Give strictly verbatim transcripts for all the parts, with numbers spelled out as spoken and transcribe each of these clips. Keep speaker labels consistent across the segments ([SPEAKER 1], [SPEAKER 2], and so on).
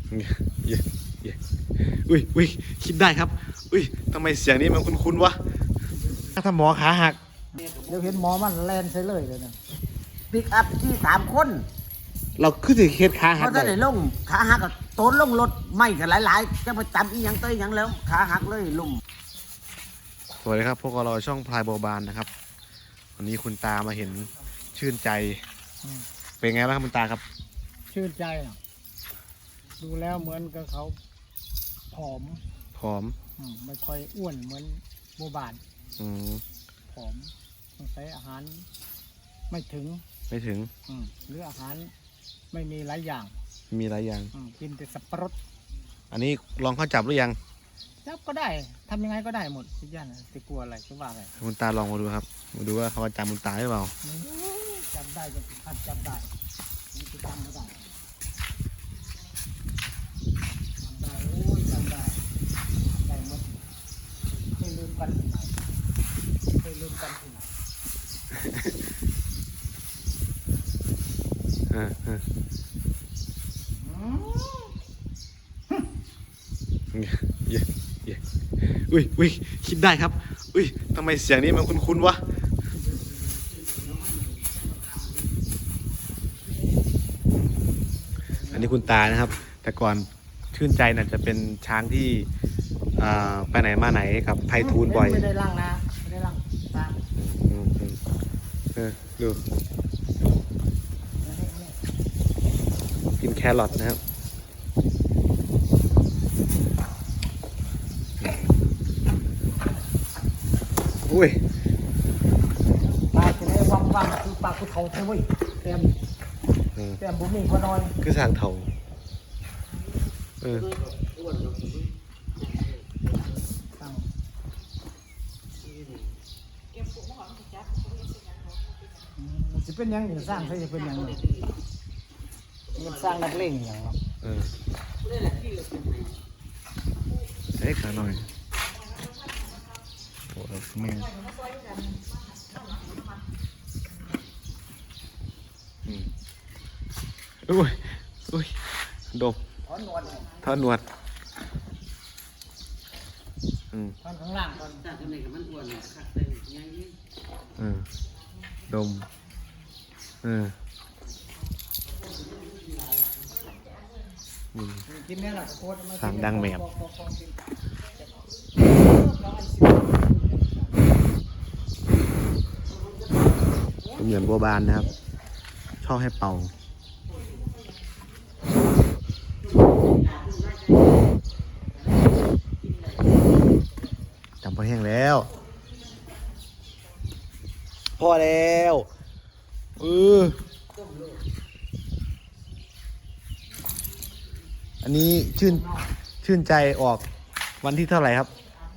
[SPEAKER 1] เย้เย้อุ้ยอุ้ยคิดได้ครับอุ้ยทำไมเสียงนี้มันคุ้นๆวะถ้าหมอขาหัก
[SPEAKER 2] เดี๋ยวเห็นหมอมันแลนใส่เลยเลยนะปิกอัพที่สามคน
[SPEAKER 1] เราขึ้นถึงเคสขาหั
[SPEAKER 2] เขา
[SPEAKER 1] ก
[SPEAKER 2] จะ
[SPEAKER 1] ได้
[SPEAKER 2] ได้ลงขาหักกับโตนลงรถไม่กันหลายๆจะไปจำอีหยังเตยหยังแล้วขาหักเลยลุ่ม
[SPEAKER 1] สวัสดีครับพวกเราช่องพลายโบบานนะครับวันนี้คุณตามาเห็นชื่นใจเป็นไงบ้างครับคุณตาครับ
[SPEAKER 3] ชื่นใจอ่ะดูแล้วเหมือนกับเขาผอม
[SPEAKER 1] ผอม
[SPEAKER 3] อมไม่ค่อยอ้วนเหมือนโบบาน
[SPEAKER 1] อืม
[SPEAKER 3] ผอมต้องใช้อาหารไม่ถึง
[SPEAKER 1] ไม่ถึง
[SPEAKER 3] อืมหรืออาหารไม่มีหลายอย่าง
[SPEAKER 1] มีหลายอย่าง
[SPEAKER 3] อืมกินแต่สับปะรด
[SPEAKER 1] อันนี้ลองเข้าจับหรือยัง
[SPEAKER 3] จับก็ได้ทำยังไงก็ได้หมดทุกอย่างนะจะกลัวอะไรจะว่าอะไร
[SPEAKER 1] คุณตาลองมาดูครับมาดูว่าเขาจะจำคุณตาหรือเปล่า
[SPEAKER 3] จำได้จะทันจำได้นี่คือจำไม่ได้จำได้โอ้ยจำได้ได้หมดไม่ลืมกันที่ไหนไม่ลืมกันที่ไหน
[SPEAKER 1] เออเออเย้เย้อุ้ยอุ้ยคิดได้ครับอุ้ยทำไมเสียงนี้มันคุ้นๆวะอันนี้คุณตานะครับ แต่ก่อนชื่นใจน่ะจะเป็นช้างที่อ่าไปไหนมาไหนกับไพฑูรย์บ่อย
[SPEAKER 3] ไม่ได้ล่างนะไม่ได้ล่างตาม
[SPEAKER 1] อืมอืมเออดูกินแครอทนะครับอุ้ย
[SPEAKER 3] ปลาจะได้วังวังคือปลากุเขาใช่ไหมเต็ม
[SPEAKER 1] อืม
[SPEAKER 3] เต็มบุ้มีพอน้อย
[SPEAKER 1] คือสร้างเถาเออ
[SPEAKER 3] ตั้ง มันจะเป็นยังจะสร้างใช่จะเป็นยังมันสร้างนักเลงอย่างเนาะ
[SPEAKER 1] เออเอ๊ะขาหน่อยโอ้ยแม่งอืมอุ้ยอุ้ยดม
[SPEAKER 3] ถอนหนวด
[SPEAKER 1] ทอดหนวดอืม
[SPEAKER 3] ถอนข้างล่างถอน
[SPEAKER 2] จากไหนกับมันอ้วนเนี่ยคักเลยยังยิ่ง
[SPEAKER 1] เออดมเอออืม
[SPEAKER 3] กินเนี่ยแหละโคตร
[SPEAKER 1] สั่งดังแหมบ เป็นเหมือนบัวบานนะครับ ชอบให้เป่าจำพอแห้งแล้ว พอแล้วเอออันนี้ชื่นชื่นใจออกวันที่เท่าไหร่ครับ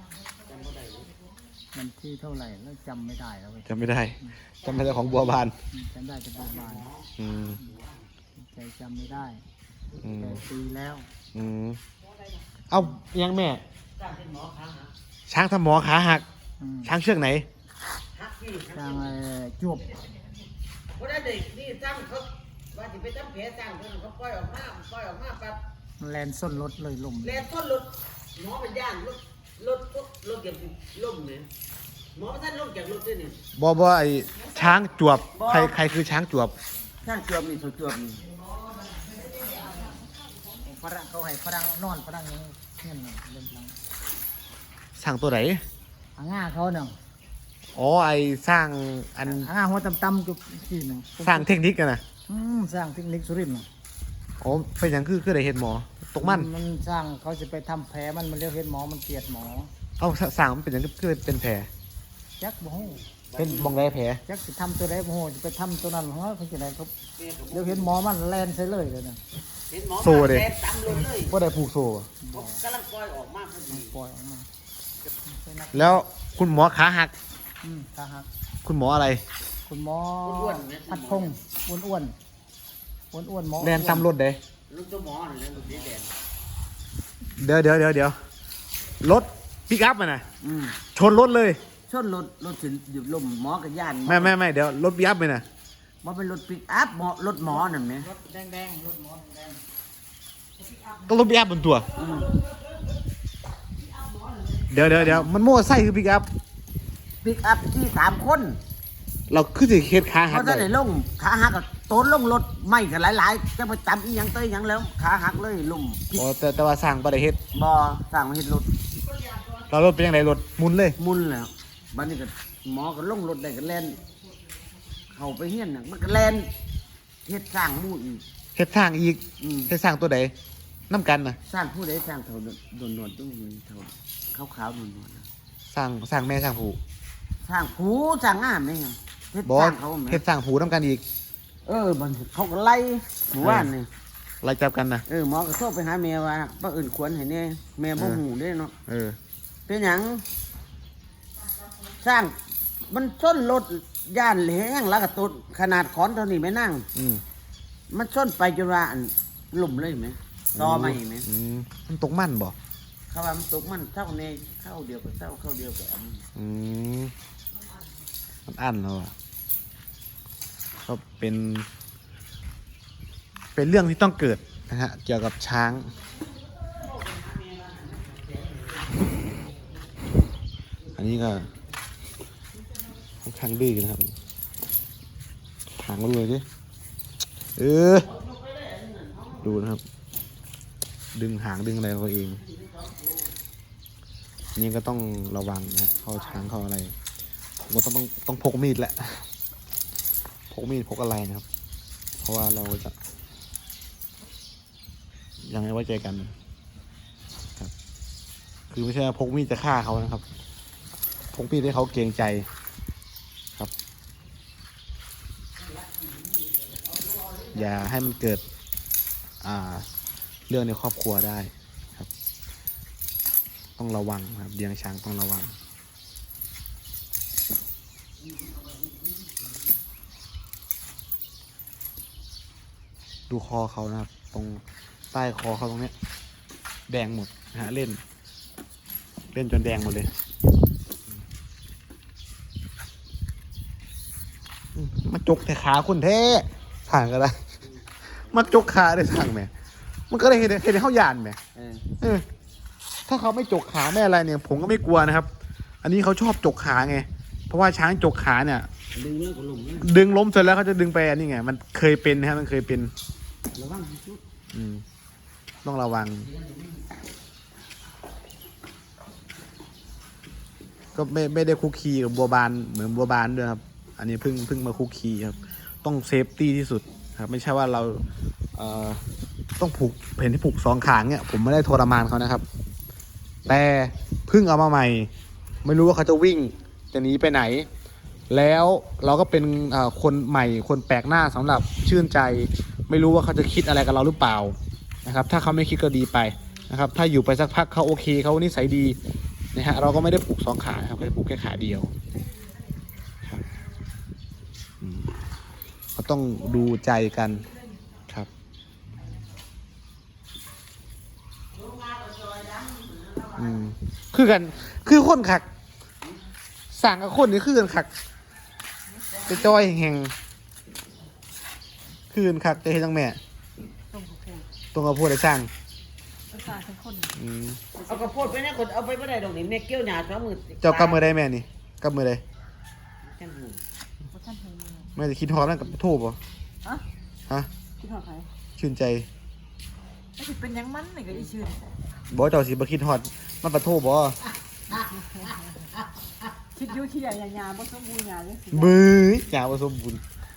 [SPEAKER 3] มันที่เท่าไหร่แล้วจำไม่ได้แล้วเว้ย
[SPEAKER 1] จำไม่ได้จำไม่ได้ของบัวบาน
[SPEAKER 3] จำได้แต่ประมาณ
[SPEAKER 1] อืม
[SPEAKER 3] ใจจำไม่ได้
[SPEAKER 1] อืม
[SPEAKER 3] แต่ปีแล้ว
[SPEAKER 1] อืมเอายังแม่ ช้างทำหมอขาหัก
[SPEAKER 3] อืม
[SPEAKER 1] ช้างเชือกไหน
[SPEAKER 2] ฮักพี่
[SPEAKER 3] สร้างไอ้จวบ
[SPEAKER 2] เพราะนั้นเด็กนี่ตั้งเขาว่าจะไปตั้งแผลตั้งเพิ่นเขาปล่อยออกมาปล่อยออกมาปั๊บ
[SPEAKER 3] มันแลนส้นรถเลยลม
[SPEAKER 2] แลนต้นรถหมอเป็นย่านรถรถรถเก็บล่มเนี่ยหมอท่านลงจากรถด้วยเนี่ย
[SPEAKER 1] บอบอไอช้างจวบ ใครใครคือช้างจวบ
[SPEAKER 2] ท่านจวบนี่เขาจวบนี่
[SPEAKER 3] ฝรั่งเขาให้ฝรั่งนอนฝรั่งยังเงี้ยน่ะเล่นฝรั่ง
[SPEAKER 1] สร้างตัวไหน
[SPEAKER 3] อ่างง่าเขาเนาะ
[SPEAKER 1] อ๋อไอสร้างอัน
[SPEAKER 3] อ่างง่าหัวต่ำๆจุกที่หนึ่ง
[SPEAKER 1] สร้างเทคนิคกันนะ
[SPEAKER 3] อืมสร้างเทคนิคสุรินทร์น่ะ
[SPEAKER 1] อ๋อเป็นอย่างคือคือได้เห็นหมอ ตกมัน
[SPEAKER 3] มันสร้างเขาจะไปทำแผลมันมันเรียกเห็นหมอมันเกลียดหมอ
[SPEAKER 1] เอาสร้างมันเป็นอย่างคือเป็นแผล
[SPEAKER 3] จักบ่ฮู้
[SPEAKER 1] เป็นมองไรแผล
[SPEAKER 3] จักสิทำตัวใดบ่ฮู้จะไปทำตัวนั้นของเขาเขาจะได้เขาเดี๋ยวเห็นหมอมันแลนใส่เลยเลยนะ
[SPEAKER 2] เห็นหมอมาแลนตามรถเลย
[SPEAKER 1] ว่าได้ผูกโซ่
[SPEAKER 2] ผมกำลังปล่อยออกมาพอดี
[SPEAKER 3] ปล่อยออกมา
[SPEAKER 1] แล้วคุณหมอขาหัก
[SPEAKER 3] อืมขาหัก
[SPEAKER 1] คุณหมออะไร
[SPEAKER 3] คุณหมอพัดพงษ์อ้วนอ้วนอ้วนอ้วนๆหมอ
[SPEAKER 1] แลนตามรถเด้
[SPEAKER 2] รถตัวหมอนี่แหละรถสีแดง
[SPEAKER 1] เดี๋ยวเดี๋ยวเดี๋ยวเดี๋ยวรถปิกอัพมันนะ
[SPEAKER 2] อืม
[SPEAKER 1] ชนรถเลย
[SPEAKER 2] ชนรถรถสิหยุดลมหมอกับย่าน
[SPEAKER 1] ไม่ไม่ไม่เดี๋ยวรถปิกอัพมันนะ
[SPEAKER 2] หมอเป็นรถปิกอัพหมอรถหมอนั่นไหม
[SPEAKER 3] รถแดงแดงๆรถหมอแดง
[SPEAKER 1] ก็รถปิกอัพบนตัว
[SPEAKER 2] อืม
[SPEAKER 1] เดี๋ยวเดี๋ยวเดี๋ยวมันโม่ไส้คือปิกอัพ
[SPEAKER 2] ปิกอัพที่สามคน
[SPEAKER 1] เราคือสิเฮ็ดขาหั
[SPEAKER 2] เขา
[SPEAKER 1] ก
[SPEAKER 2] จะ
[SPEAKER 1] ได้
[SPEAKER 2] ได้ลงขาหักกับโตนลงรถไม่กันหลายๆจะไปจำอีหยังเตยหยังแล้วขาหักเลยลุ่ม
[SPEAKER 1] อ๋อแต่แต่ว่าสร้างบ่ได้เฮ็ด
[SPEAKER 2] บ่สั่งมาเฮ็ดรถ
[SPEAKER 1] เรารถเป็นยังไงรถหมุนเลย
[SPEAKER 2] มุนแล้วบัดนี้ก็หมอก็ลงรถได้ก็แล่นเข้าไปเฮียนน่ะมันก็แล่นเฮ็ดสร้างหมู่อีก
[SPEAKER 1] เฮ็ดสร้างอีก
[SPEAKER 2] อืม
[SPEAKER 1] เฮ็ดสร้างตัวใดน้ำกันนะ
[SPEAKER 2] สร้างผู้ใดสร้างเท่าโดนนวลๆต้องมีเท่าขาวๆนวลๆนะ
[SPEAKER 1] สร้างสร้างแม่สร้างผู
[SPEAKER 2] สร้างผู้สร้างงามไหมครับเฮ็ด
[SPEAKER 1] บอ
[SPEAKER 2] ส
[SPEAKER 1] ส
[SPEAKER 2] ร้างเขาไหม
[SPEAKER 1] เฮ็ดสร้างผูน้ำกันอีก
[SPEAKER 2] เออมันเขาก็ไล่หมู่บ้านนี่
[SPEAKER 1] ไล่จับกันนะ
[SPEAKER 2] เออหมอก็โทรไปหาแม่ว่าป้าอื่นควรให้แน่แม่บ่ฮู้เด้เนาะ
[SPEAKER 1] เออ
[SPEAKER 2] เป็นหยังสร้างมันส้นรถย่านแหงแล้วก็ตุดขนาดขอนเท่านี้ไม่นั่ง
[SPEAKER 1] อืม
[SPEAKER 2] มันส้นไปจนว่าอันหลุมเลยไหมตอไม่ไหม
[SPEAKER 1] อืมมันตกมันบ่
[SPEAKER 2] เขาว่ามันตกมันเท่าในเข้าเดียวกับเท่าเข้าเดียวกับอัน
[SPEAKER 1] อืมมันอั้นแล้วอ่ะก็เป็น เป็นเรื่องที่ต้องเกิดนะฮะเกี่ยวกับช้าง อันนี้ก็ค่อนข้างดื้อนะครับหางมันเลยดิเออ ดูนะครับ ดึงหางดึงอะไรเขาเอง นี่ก็ต้องระวังนะฮะเข้าช้างเข้าอะไรผมก็ต้องต้องต้องพกมีดแหละ พกมีดพกอะไรนะครับ เพราะว่าเราจะยังไม่ไว้ใจกันครับ คือไม่ใช่ว่าพกมีดจะฆ่าเขานะครับ พกมีดให้เขาเกรงใจครับ อย่าให้มันเกิด อ่า เรื่องในครอบครัวได้ครับ ต้องระวังครับเลี้ยงช้างต้องระวัง ดูคอเขานะครับ ตรงใต้คอเขาตรงเนี้ย แดงหมดนะฮะเล่น เล่นจนแดงหมดเลยอืมมาจกแต่ขาคุณแท้ผ่านก็ได้ มาจกขาได้ทางแหม่มันก็เลยเห็นเห็นเขาหยานแหม่
[SPEAKER 2] เออ
[SPEAKER 1] เออถ้าเขาไม่จกขาไม่อะไรเนี่ย ผมก็ไม่กลัวนะครับ อันนี้เขาชอบจกขาไง เพราะว่าช้างจกขาเนี่ย
[SPEAKER 2] ดึงแล้วก็หลุมนะ
[SPEAKER 1] ดึงล้มเสร็จแล้วเขาจะดึงไปอันนี้ไง มันเคยเป็นนะครับมันเคยเป็น
[SPEAKER 2] ระวังที่สุด
[SPEAKER 1] อืมต้องระวัง ก็ไม่ไม่ได้คุกคีกับบัวบานเหมือนบัวบานด้วยครับ อันนี้เพิ่งเพิ่งมาคุกคีครับ ต้องเซฟตี้ที่สุดครับ ไม่ใช่ว่าเราเอ่อต้องผูกเห็นที่ผูกสองขางเนี่ยผมไม่ได้ทรมานเขานะครับ แต่เพิ่งเอามาใหม่ ไม่รู้ว่าเขาจะวิ่งจะหนีไปไหน แล้วเราก็เป็นอ่าคนใหม่คนแปลกหน้าสำหรับชื่นใจ ไม่รู้ว่าเขาจะคิดอะไรกับเราหรือเปล่านะครับ ถ้าเขาไม่คิดก็ดีไปนะครับ ถ้าอยู่ไปสักพักเขาโอเคเขานิสัยดีนะฮะเราก็ไม่ได้ผูกสองขาครับแค่ผูกแค่ขาเดียวครับอืมก็ต้องดูใจกันครับอืมคือกันคือคนขักสั่งกับคนนี่คือกันขักจะจอยแห่งคือกันขักจะเห็นจังแม่
[SPEAKER 3] ต้องพูด
[SPEAKER 1] ตรงกับพูดได้สร้าง
[SPEAKER 3] ภาษาเป็นคน
[SPEAKER 1] อืม
[SPEAKER 2] เอากระโพดไปนะคนเอาไปไม่ได้ดอกนี่แม่เกี้ยวหยาสองมือ
[SPEAKER 1] เจ้ากำมือได้แม่นี่กำมือได้
[SPEAKER 2] จังหู
[SPEAKER 3] เพราะท่านหูมือ
[SPEAKER 1] แม่จะคิดฮอตนั่นกับทูบป่ะ
[SPEAKER 3] ฮะ
[SPEAKER 1] ฮะ
[SPEAKER 3] คิดหอดใคร
[SPEAKER 1] ชื่นใจ
[SPEAKER 3] ไม่ใช่เป็นหยังมันนี่ก็อีชื่น
[SPEAKER 1] บอกเจ้าสิบ่คิดฮอตมันปะทูบบ่
[SPEAKER 3] คิดอยุ่ขี้ใหญ่ยาบ่สมบูรณ์ยาเลยสิ
[SPEAKER 1] บื้อหยาผสมบุญ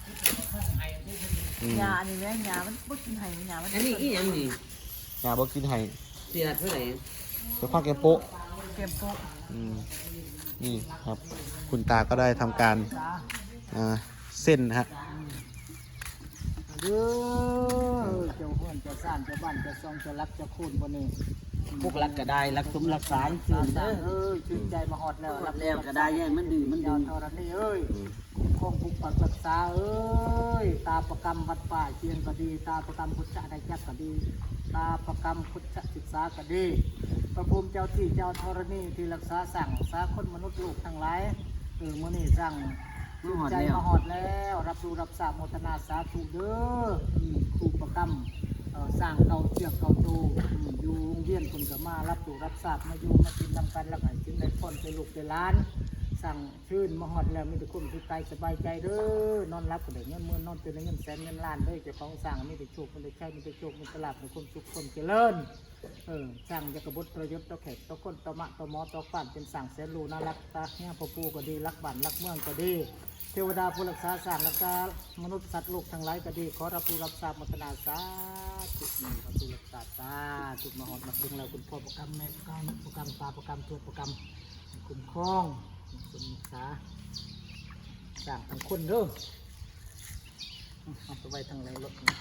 [SPEAKER 1] อืม
[SPEAKER 3] ยาอันนี้แม่ยามันบ่กินไห้ยามัน
[SPEAKER 2] อันนี้อีหยังนี่
[SPEAKER 1] หยาบ่กินให้
[SPEAKER 2] เสียเท่าไหร่
[SPEAKER 1] เดี๋ยวพักแกมโป๊ะ
[SPEAKER 3] เก็บโป๊ะ
[SPEAKER 1] อืมนี่ครับ คุณตาก็ได้ทำการ
[SPEAKER 3] จ้า
[SPEAKER 1] อ่าเส้นนะฮะ
[SPEAKER 3] เด้อเจ้าห้วนเจ้าซ่านเจ้าบ้านเจ้าซองเจ้ารักเจ้าคูนบ่นี่
[SPEAKER 2] พวกรักก็ได้รักสมรักษาชื่น
[SPEAKER 3] เอ
[SPEAKER 2] เด้อ
[SPEAKER 3] อชื่นใจมาฮอดแล้ว
[SPEAKER 2] รับแล้วก็ได้ยังมันดื้อมัน
[SPEAKER 3] ยา
[SPEAKER 2] ดื้
[SPEAKER 3] ว
[SPEAKER 2] อ
[SPEAKER 3] เท่านี้เอ้ยคงปกปักรักษาเอ้ยตาประกรรมวัดป่าเชียงก็ดี ตาประกรรมพุทธะได้จักก็ดี ตาประกรรมพุทธศึกษาก็ดีพระภูมิเจ้าที่เจ้าธรณีที่รักษาสั่งรักษาคนมนุษย์ลูกทั้งหลายเออมื้อนี้สั่ง
[SPEAKER 2] มาหอด
[SPEAKER 3] ใจ
[SPEAKER 2] แล้ว
[SPEAKER 3] มาหอดแล้ว รับรู้รับทราบโมทนาสาธุเด้ออืมครูประกรรมเอ่อสร้างเก่าเชือกเก่าตูอืมอยู่โรงเรียนคนก็มารับสู่รับทราบมาอยู่มากินนำกันแล้วก็ให้กินได้พ้นไปลูกไปล้าน สั่งชื่นมาฮอดแล้วมีแต่คนที่ใจสบายใจเด้อนอนรับก็ได้เงินหมื่นนอนตื่นได้เงินแสนเงินล้านเด้อเจ้าของสั่งมีแต่โชคมีแต่ใช้มีแต่โชคมีแต่ลาภมีความสุขความเจริญเออสั่งจะกระบดประยศต่อแขกต่อคนต่อมะต่อหมอต่อฟ้านเป็นสั่งแสนรูน่ารักตาเนี่ยพ่อปู่ก็ดีรักบ้านรักเมืองก็ดีเทวดาผู้รักษาสั่งรักษามนุษย์สัตว์โลกทั้งหลายก็ดีขอรับผู้รับทราบมัตนาสาธุมีพระผู้รักษาสาธุมาฮอดมาถึงแล้วคุณพ่อประกรรมแม่ประกรรมประกรรมตาประกรรมตัวประกรรมคุ้มครองคุณสาสั่งทั้งคนเด้อเอาไปไว้ทางไหนรถนี่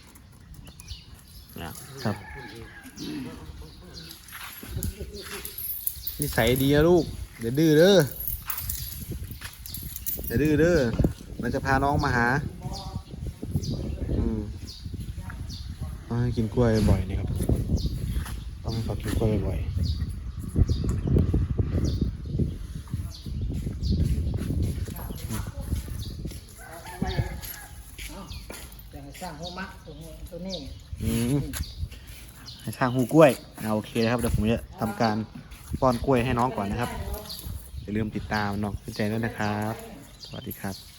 [SPEAKER 1] ครับนิสัยดีนะลูกอย่าดื้อเด้ออย่าดื้อเด้อมันจะพาน้องมาหาอืมต้องให้กินกล้วยบ่อยๆนะครับต้องให้เขากินกล้วยบ่อย
[SPEAKER 3] แต่สร้างหัวมักตัวนี้ตัวนี้
[SPEAKER 1] ๆอืมให้ช่างหูกล้วยเอาโอเคนะครับเดี๋ยวผมจะทำการป้อนกล้วยให้น้องก่อนนะครับอย่าลืมติดตามน้องขึ้นใจด้วยนะครับสวัสดีครับ